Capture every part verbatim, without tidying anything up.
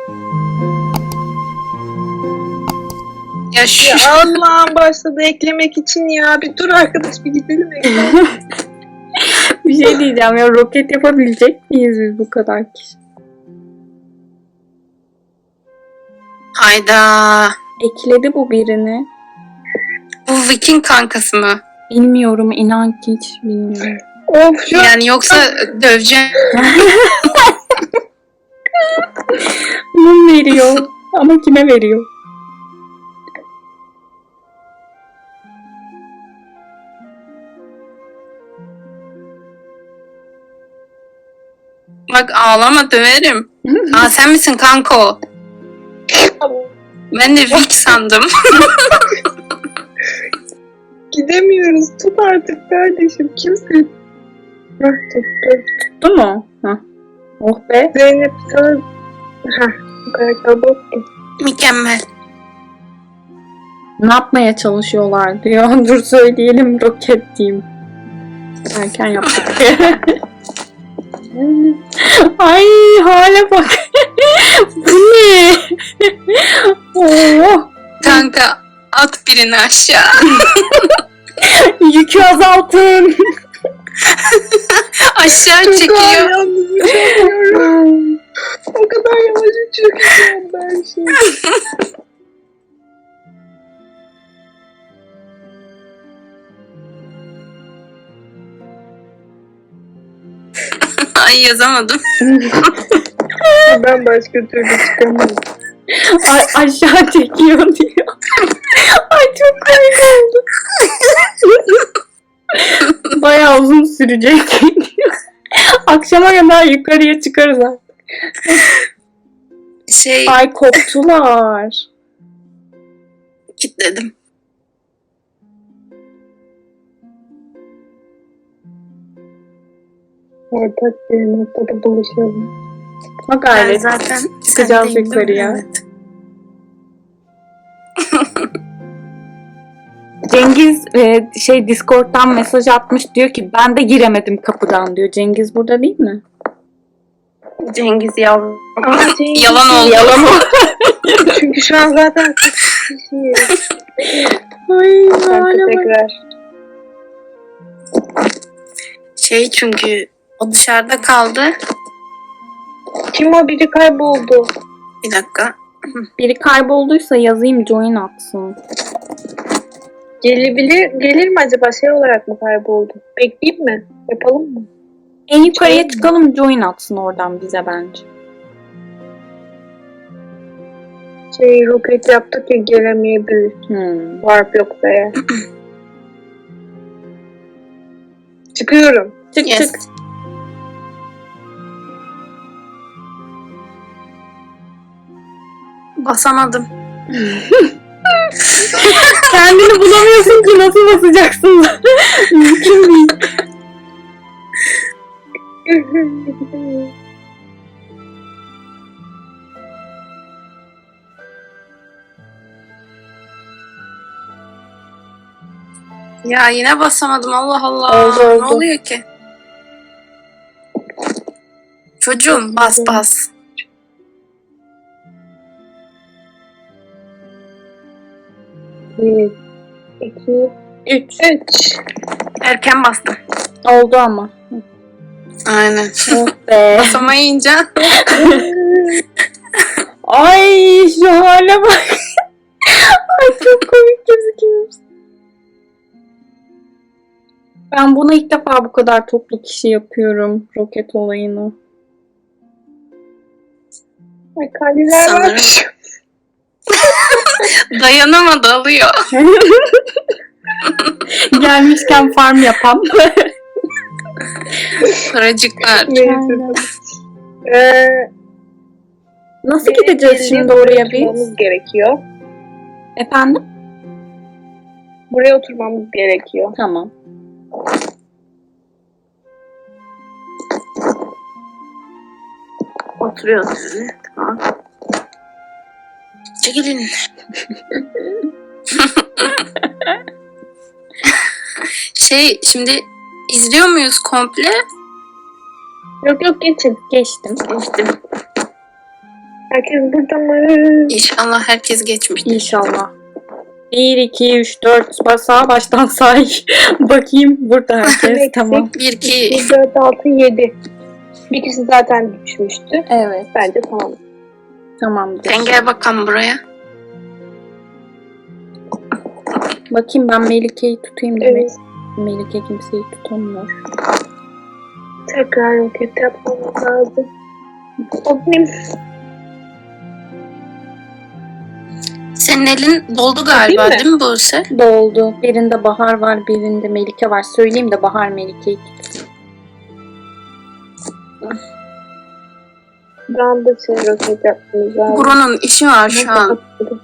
Ya şu Ya Allah'ım başladı eklemek için ya. Bir dur arkadaş bir gidelim eklemek. Bir şey diyeceğim ya, roket yapabilecek miyiz biz bu kadar kişi? hayda. Ekledi bu birini. Bu Viking kankası mı? Bilmiyorum, inan ki hiç bilmiyorum. Of şu an Yani yoksa döveceğim. Mum veriyor ama kime veriyor? Bak ağlama döverim. Aa sen misin kanko? Ben de Vic sandım. gidemiyoruz. Tut artık kardeşim. Kimsin? Hah tuttu. Tuttu mu? Hah. Oh be. Zeynep sana... Hah bu karakter boktu. Mükemmel. Ne yapmaya çalışıyorlar diyor. Dur söyleyelim, roket diyeyim. Erken yaptık. Ay hale bak. Bu ne? Oh. Kanka at birini aşağı. Yükü azaltın. Aşağı Çok ağır çekiyor. yalnız uçamıyorum. O kadar yavaş uçuyorum ben şimdi. Ay yazamadım. Ben başka türlü çıkamam. Ay, aşağı çekiyor diyor. Ay çok komik oldu. Bayağı uzun sürecek diyor. Akşama kadar yukarıya çıkarız artık. Şey Ay koptular. kilitledim. Ortak bir noktada buluşalım. Bak Ben gayret. zaten Çıkacağız sendeyim, değil mi? yukarıya. Evet. Cengiz e, şey Discord'dan mesaj atmış, diyor ki ben de giremedim kapıdan diyor. Cengiz burada değil mi? Cengiz yavrum. Ama Cengiz- Yalan oldu. Yalan o. Çünkü şu an zaten sekiz kişiyiz. Ay Kanka hale bak. tekrar. Şey çünkü o dışarıda kaldı. Kim o biri kayboldu. Bir dakika. Biri kaybolduysa yazayım, join atsın. Gelebilir, gelir mi acaba şey olarak mı kayboldu? Bekleyeyim mi? Yapalım mı? En yukarıya Join. çıkalım, join atsın oradan bize bence. Şey roket yaptık ya gelemeyebilir. Hmm. Warp yoksa ya. Çıkıyorum. Çık Yes. çık. Basamadım. Kendini bulamıyorsun ki nasıl basacaksın? Mümkün değil. Ya yine basamadım. Allah Allah. Oldu, oldu. Ne oluyor ki? Çocuğum bas bas. Bir, iki, Üç. üç. Erken bastım. Oldu ama. Aynen. Oh be. Basamayınca Ay şu hale bak. Ay çok komik gözüküyorsun. Ben bunu ilk defa bu kadar toplu kişi yapıyorum. Roket olayını. Ay kalbiler Sanırım. var. dayanamadı alıyor. Gelmişken farm yapam. Paracıklar. Neyse. Ee, Nasıl gideceğiz şimdi oraya biz? oturmamız gerekiyor. Efendim? Buraya oturmamız gerekiyor. Tamam. Oturuyoruz yani. Tamam. Çekilin. Şey şimdi izliyor muyuz komple? Yok yok geçin. Geçtim. Geçtim. Herkes burada mı? İnşallah herkes geçmiştir. İnşallah. bir, iki, üç, dört. Sağa baştan say. Bakayım burada herkes. Eksik. Tamam. Bir, iki, bir, dört, altı, yedi. Bir kişi zaten düşmüştü. Evet. Bence tamam. Tamamdır. sen gel bakalım buraya. Bakayım ben Melike'yi tutayım demek. Evet. Melike kimseyi tutamıyor. Tekrar roket yapmamız lazım. O benim. Senin elin doldu galiba Değil mi? değil mi Buse? Doldu. Birinde Bahar var, birinde Melike var. Söyleyeyim de Bahar Melike'yi tutsun. Ben de şey roket yapmamız lazım. Buranın işi var şu an.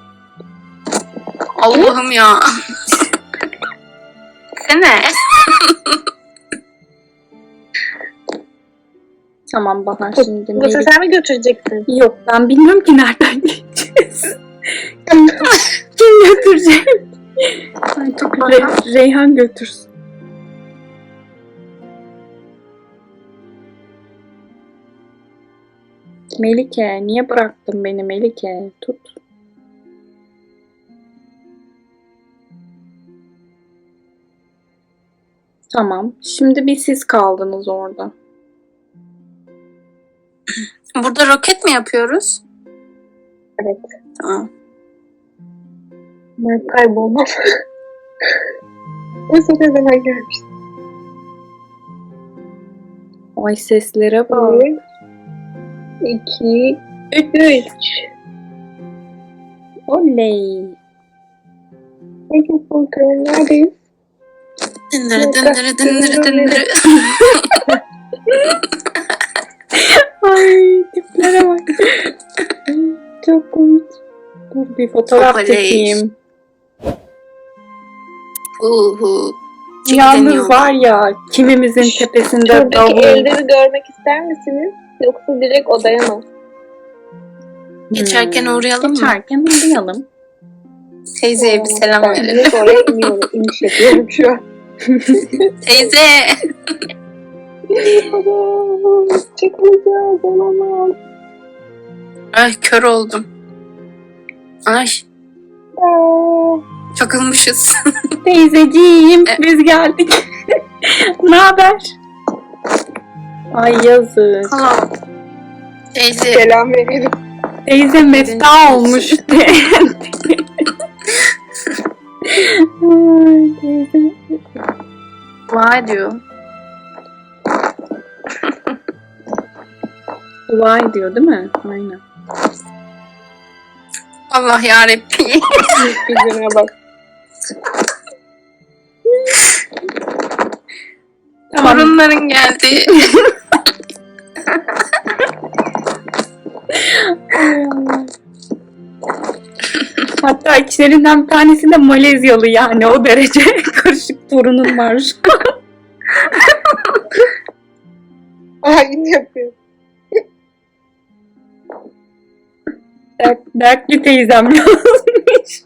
Allah'ım ya. Sene. Tamam Bahar şimdi Bu Melike. sen mi götürecektin? Yok ben bilmiyorum ki nereden geçeceğiz. Kim götürecek? Ay, çok Re- Reyhan götürsün. Melike niye bıraktın beni Melike? Tut. Tamam. Şimdi bir siz kaldınız orada. Burada roket mi yapıyoruz? Evet. Tamam. Ben kaybolmam. O ne zaman gelmiş? Ay seslere bak. Bir, iki, üç. Oley. Peki bakalım neredeyiz? Dındırı dındırı dındırı dındırı. Ay tiplere bak. Çok komik. Dur bir fotoğraf Oley. çekeyim. Uhu. Yalnız var ya kimimizin tepesinde Şuradaki davul. evleri görmek ister misiniz? Yoksa direkt odaya mı? Geçerken uğrayalım mı? Geçerken uğrayalım. Teyzeye bir selam Ben verelim. direkt oraya iniyorum. İniş yapıyorum şu an. Teyze. Çıkmayacağız. Olamaz. Ay kör oldum. Ay Aa, çakılmışız. Teyzeciğim E- biz geldik. Ne haber? Ay yazık. Allah. Teyze. Selam verelim. Teyze mefta olmuş. Ay teyze. Vay diyor. Dua ediyor değil mi? Aynen. Allah yarabbim. Yüzüne bak. Tamam. Torunların geldi. Ay Allah. Hatta içlerinden bir tanesi de Malezyalı yani o derece karışık torunum var. Aynı yapıyor. Dert, dertli teyzem yazmış.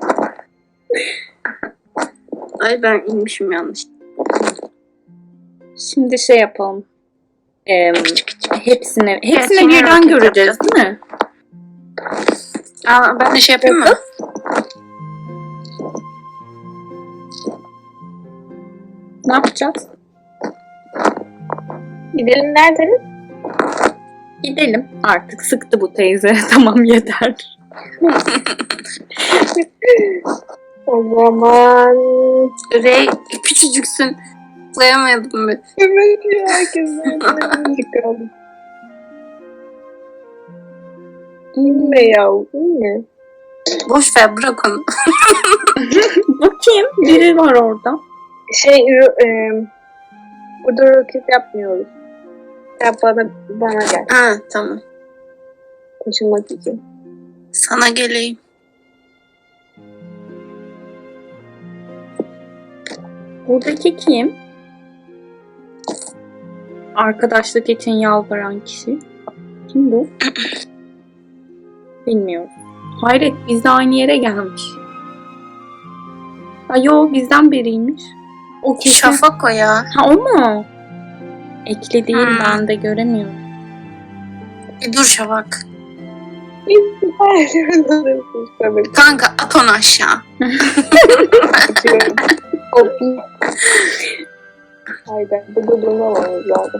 Ay ben inmişim yanlış. Şimdi şey yapalım. Ee, hepsini, hepsini Hepsini birden roket göreceğiz yapacağız. değil mi? Aa, ben de şey yapayım mı? Ne yapacağız? Gidelim neredeniz? Gidelim. Artık sıktı bu teyze. Tamam yeter. O zaman... Rey küçücüksün. Zıplayamadım bir. Evet ya herkes zaten çıkalım. İnme ya, inme. Boş ver bırak onu. Bakayım. Biri var orada. Şey, ro- e, burada roket yapmıyoruz. Ya bana, bana gel. Ha tamam. Taşınmak için. Sana geleyim. Buradaki kim? Arkadaşlık için yalvaran kişi. Kim bu? Bilmiyorum. Hayret biz de aynı yere gelmiş. Ha yo bizden biriymiş. O kesin. Şafak o ya. Ha o mu? Ekli değil Hmm. ben de göremiyorum. Bir dur Şafak. Tabii. Kanka at onu aşağı. Hop. Haydi. Burada durmamamız lazım.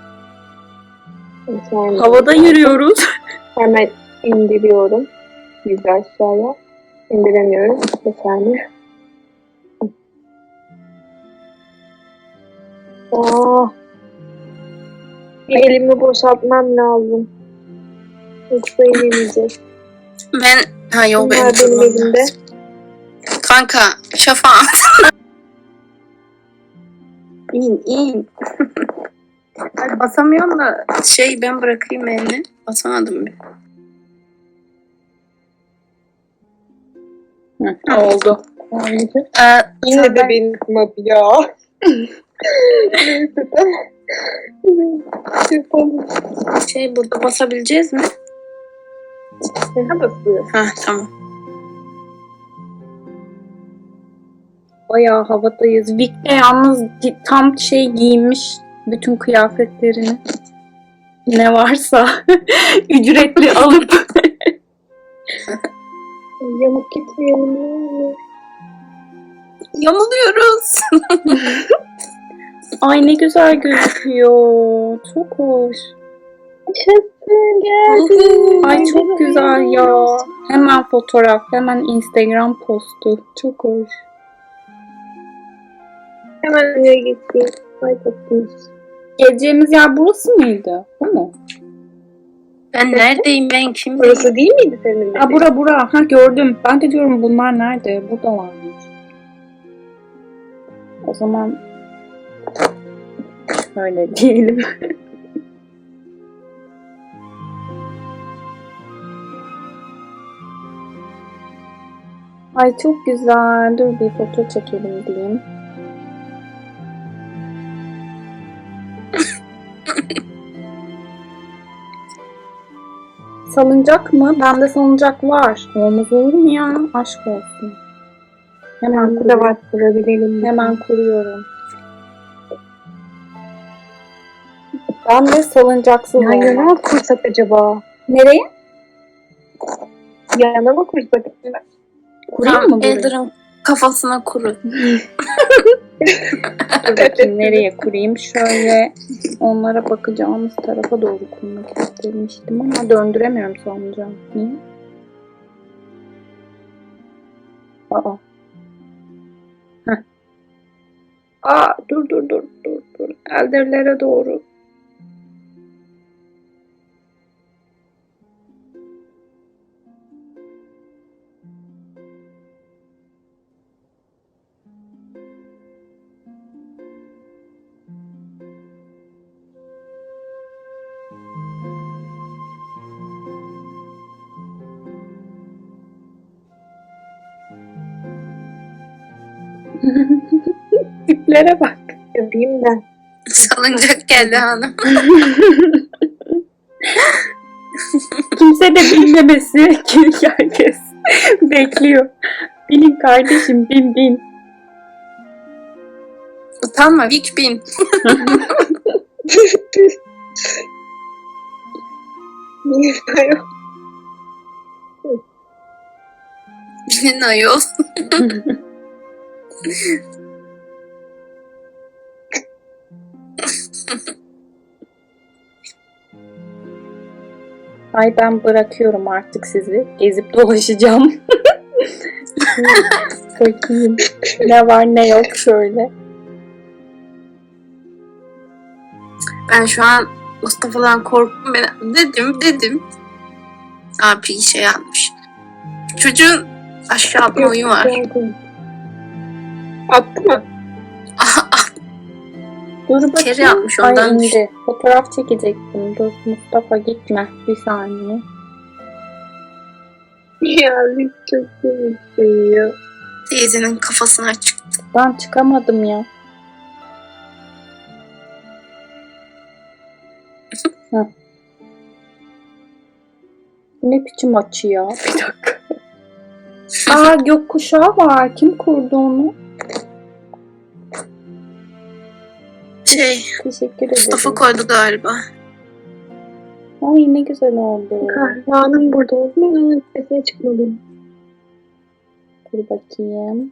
Sonra Havada yürüyoruz. hemen indiriyorum. Bizi aşağıya. İndiremiyorum. Bir saniye. Aa. Bir elimi boşaltmam lazım. Yoksa inemeyeceğiz. Ben ha yok benim Bunlar benim durmam elimde. lazım. Kanka şafa. İn in. Ay, basamıyorum da şey ben bırakayım elini. Basamadım bir. Hı, oldu. Ee, Yine de ben- benim map ya. Neyse tamam. Yapalım. şey burada basabileceğiz mi? Ne basıyor? Ha tamam. Bayağı havadayız. Vic de yalnız gi- tam şey giymiş bütün kıyafetlerini. Ne varsa ücretli alıp Yamuk gitmeyelim. ne olur. Yamuluyoruz. ay ne güzel gözüküyor. Çok hoş. Yaşasın geldi. Ay çok güzel ya. Hemen fotoğraf, hemen Instagram postu. Çok hoş. Hemen oraya gittik. Ay tatlıymış. Geleceğimiz yer burası mıydı? Bu mu? Ben neredeyim ben kim? Burası değil miydi senin? Ha bura bura. Ha gördüm. Ben de diyorum bunlar nerede? Burada varmış. O zaman öyle diyelim. Ay çok güzel. Dur bir foto çekelim diyeyim. Salıncak mı? Bende salıncak var. Olmaz olur mu ya? Aşk olsun. Hemen Burada kuruyorum. var kurabilelim. Hemen kuruyorum. Ben de salıncaksız Ya yana olmak. mı kursak acaba? Nereye? Yana mı kursak? Kurayım Tam mı burayı? Elder'ın kafasına kuru. Dur bakayım nereye kurayım? Şöyle onlara bakacağımız tarafa doğru kurmak istemiştim ama döndüremiyorum salıncağı. Niye? Aa. Heh. Aa dur dur dur dur dur. Elderlere doğru. Tiplere bak. Yapayım da. Salıncak geldi hanım. Kimse de bilmemesi ki herkes bekliyor. Bilin kardeşim bin bin. Utanma Vic bin. Bilmiyorum. Binin ayol. Ay ben bırakıyorum artık sizi. Gezip dolaşacağım. Bakayım ne var ne yok şöyle. Ben şu an Mustafa'dan korktum. Ben dedim dedim. Abi şey yapmış. Çocuğun aşağı atma oyun var. Attı mı? Dur bakayım. Kere yapmış, Ay ondan indi. Fotoğraf çekecektim. Dur Mustafa gitme. Bir saniye. Ya biz çok komiksin ya. Teyzenin kafasına çıktı. Ben çıkamadım ya. Heh. Ne biçim açı ya? Bir dakika. Aa gökkuşağı var. Kim kurdu onu? Şey Teşekkür ederim. Mustafa koydu galiba. Ay ne güzel oldu. Kahramanım burada olsun. Ben onun sesine çıkmalıyım. Dur bakayım.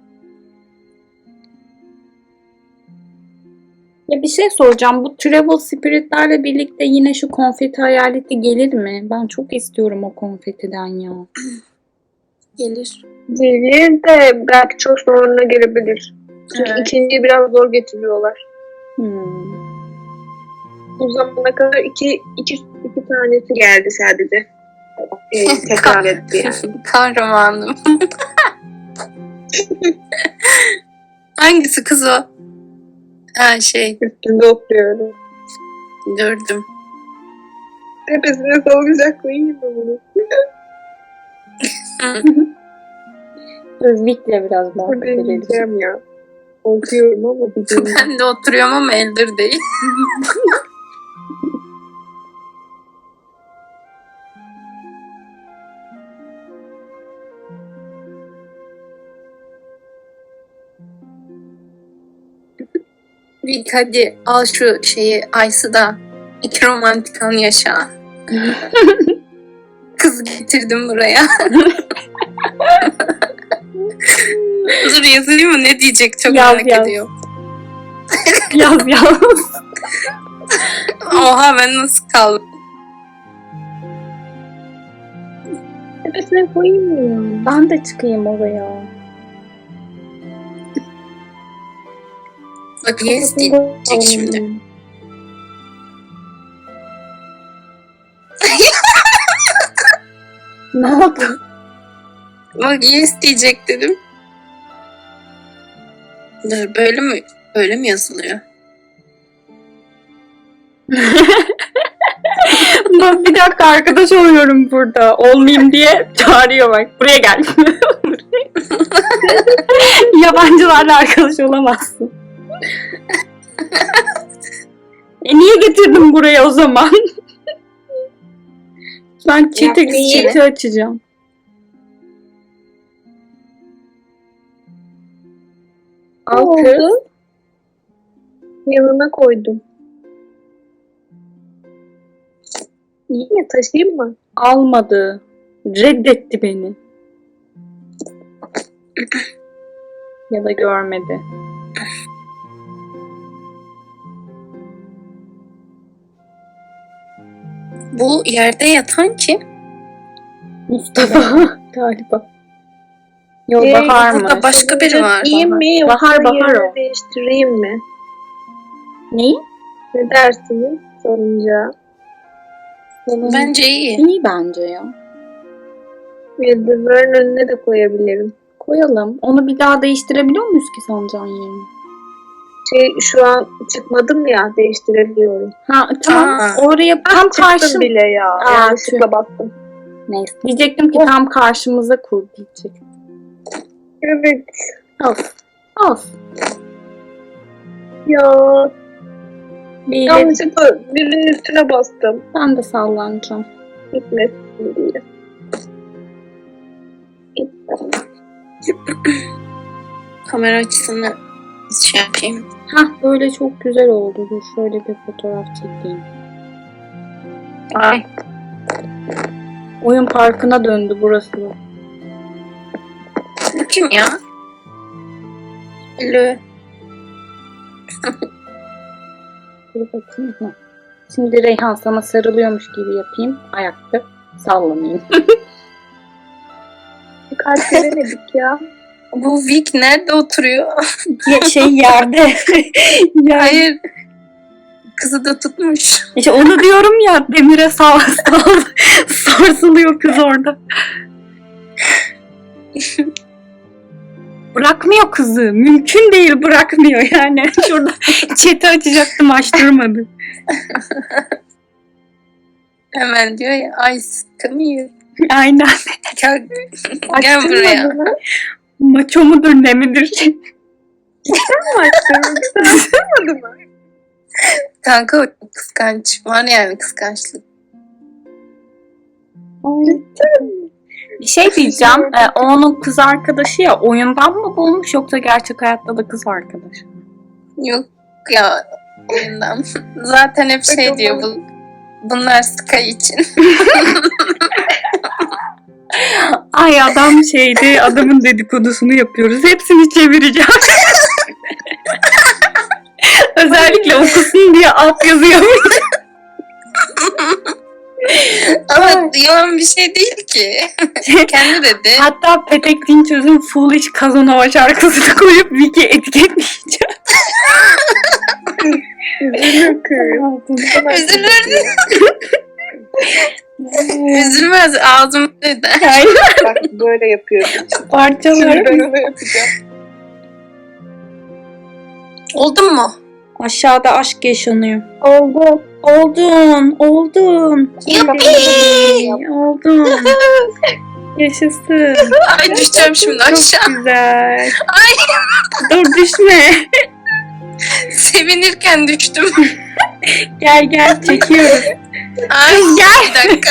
Ya bir şey soracağım. Bu Travel Spirit'lerle birlikte yine şu konfeti hayaleti gelir mi? Ben çok istiyorum o konfetiden ya. Gelir. Gelir de belki çok sonra gelebilir. Çünkü Evet. ikinciyi biraz zor getiriyorlar. Hmm. Bu zamana kadar iki, iki, iki tanesi geldi sadece. Ee, tekrar etti yani. Kahramanım. Hangisi kız o? Ha şey Üstünde oturuyorum. gördüm. Tepesine salacak koyayım mı bunu? Dur Vic'le biraz Burada muhabbet edelim. yiyeceğim ya. Okuyorum ama bir de Ben de oturuyorum ama Elder değil. Bir hadi al şu şeyi Aysı da iki romantik an yaşa. Kız getirdim buraya. Dur yazayım mı ne diyecek çok Yaz, merak yaz. ediyorum. Yaz yaz. Oha ben nasıl kaldım? tepesine koyayım mı ya? Ben de çıkayım oraya. Bak yes diyecek şimdi. Ne oldu? Bak yes diyecek dedim. Dur böyle mi böyle mi yazılıyor? Ben bir dakika arkadaş oluyorum burada. Olmayayım diye çağırıyor bak. Buraya gel. Yabancılarla arkadaş olamazsın. E niye getirdin buraya o zaman? Ben chat'i Ya, niye? chat'i açacağım. Ne Al kız. oldu? Yanına koydum. İyi mi? Taşıyayım mı? Almadı. Reddetti beni. Ya da görmedi. Bu yerde yatan kim? Mustafa galiba. Yok Ee, Bahar mı? burada başka biri var. İyiyim mi? Yoksa Bahar, Bahar yerini o. değiştireyim mi? Neyi? Ne dersiniz sorunca? Bence iyi. İyi bence ya. Yıldızların önüne de koyabilirim. Koyalım. Onu bir daha değiştirebiliyor muyuz ki sancağın yerini? Şey şu an çıkmadım ya değiştirebiliyorum. Ha tamam. Aa. Oraya tam Çıktım karşı... bile ya. Aa, Yanlışlıkla bastım. Neyse. Diyecektim ki tam karşımıza kur diyecek. Evet. Olsun. Olsun. Ya Bir de yanlışlıkla birinin üstüne bastım. ben de sallanacağım. Gitmesin diye. Gitti. Kamera açısını şey yapayım. Hah böyle çok güzel oldu. Dur şöyle bir fotoğraf çekeyim. Ay. Oyun parkına döndü burası. Bu kim ya? Lü. Dur bakayım. Hı. Şimdi Reyhan sana sarılıyormuş gibi yapayım. Ayakta sallamayayım. Kalp veremedik ya. Bu Vic nerede oturuyor? şey yerde. yani, Hayır. Kızı da tutmuş. işte onu diyorum ya demire sağ, sağ, sarsılıyor kız orada. Bırakmıyor kızı. Mümkün değil bırakmıyor yani. Şurada chat'i açacaktım açtırmadı. Hemen diyor ya ay sıkılmıyor. Aynen. Gel, gel buraya. Maço mudur ne midir? Açtırmadı mı? Kanka o kıskanç. Var yani kıskançlık. Bir şey diyeceğim. E, o onun kız arkadaşı ya oyundan mı bulmuş yoksa gerçek hayatta da kız arkadaşı? Yok ya oyundan. Zaten hep şey diyor bu. Bunlar Sky için. Ay adam şeydi, adamın dedikodusunu yapıyoruz. Hepsini çevireceğim. Özellikle okusun diye alt yazıyorum. Ama yalan bir şey değil ki. Kendi dedi. Hatta Petek Dinçöz'ün Foolish Kazanova şarkısını koyup Wiki etiketleyeceğim. Üzülür kız. Üzülür. Üzülmez, ağzım dedi. Aynen. Bak böyle yapıyorum. Şimdi Parçalar. ben onu yapacağım. Oldun mu? Aşağıda aşk yaşanıyor. Oldu. Oldun, oldun. Yuppie! Oldun. Yaşasın. Ay düşeceğim şimdi aşağı. Çok güzel. Ay Dur düşme. sevinirken düştüm. Gel gel çekiyoruz. Ay gel. Bir dakika.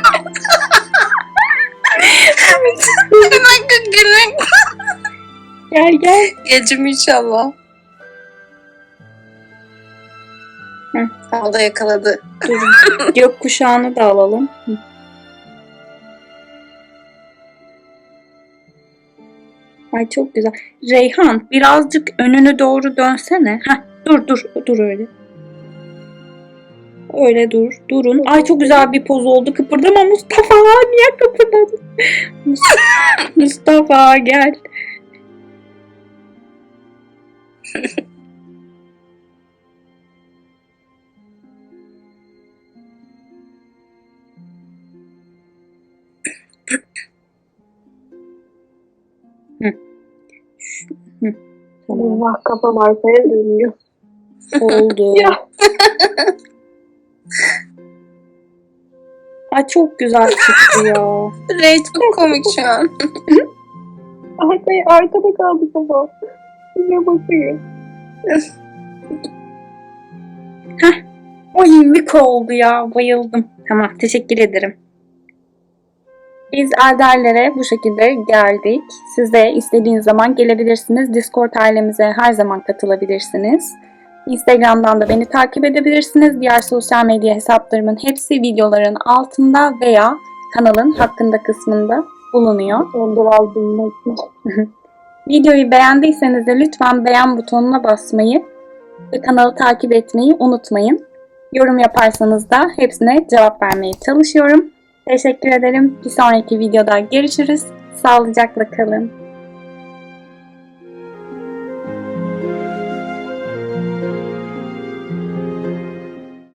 Hemen gülmek. Gel gel. Gecim inşallah. Hı. O da yakaladı. Dur. Gökkuşağını da alalım. Hı. Ay çok güzel. Reyhan birazcık önünü doğru dönsene. Heh, dur dur dur öyle. Öyle dur. Durun. Ay çok güzel bir poz oldu. Kıpırdama Mustafa. Niye kıpırdadın? Mus- Mustafa gel. Hı. Hı. Tamam. Allah kafam arkaya dönüyor. Oldu. Ya. Ay çok güzel çıktı ya. Rey çok komik şu an. Arkaya, arkada kaldı kafam. Size bakıyor. Ay mük oldu ya. Bayıldım. Tamam teşekkür ederim. Biz Elderlere bu şekilde geldik. Siz de istediğiniz zaman gelebilirsiniz. Discord ailemize her zaman katılabilirsiniz. Instagram'dan da beni takip edebilirsiniz. Diğer sosyal medya hesaplarımın hepsi videoların altında veya kanalın hakkında kısmında bulunuyor. Ondan aldım. Videoyu beğendiyseniz de lütfen beğen butonuna basmayı ve kanalı takip etmeyi unutmayın. Yorum yaparsanız da hepsine cevap vermeye çalışıyorum. Teşekkür ederim. Bir sonraki videoda görüşürüz. Sağlıcakla kalın.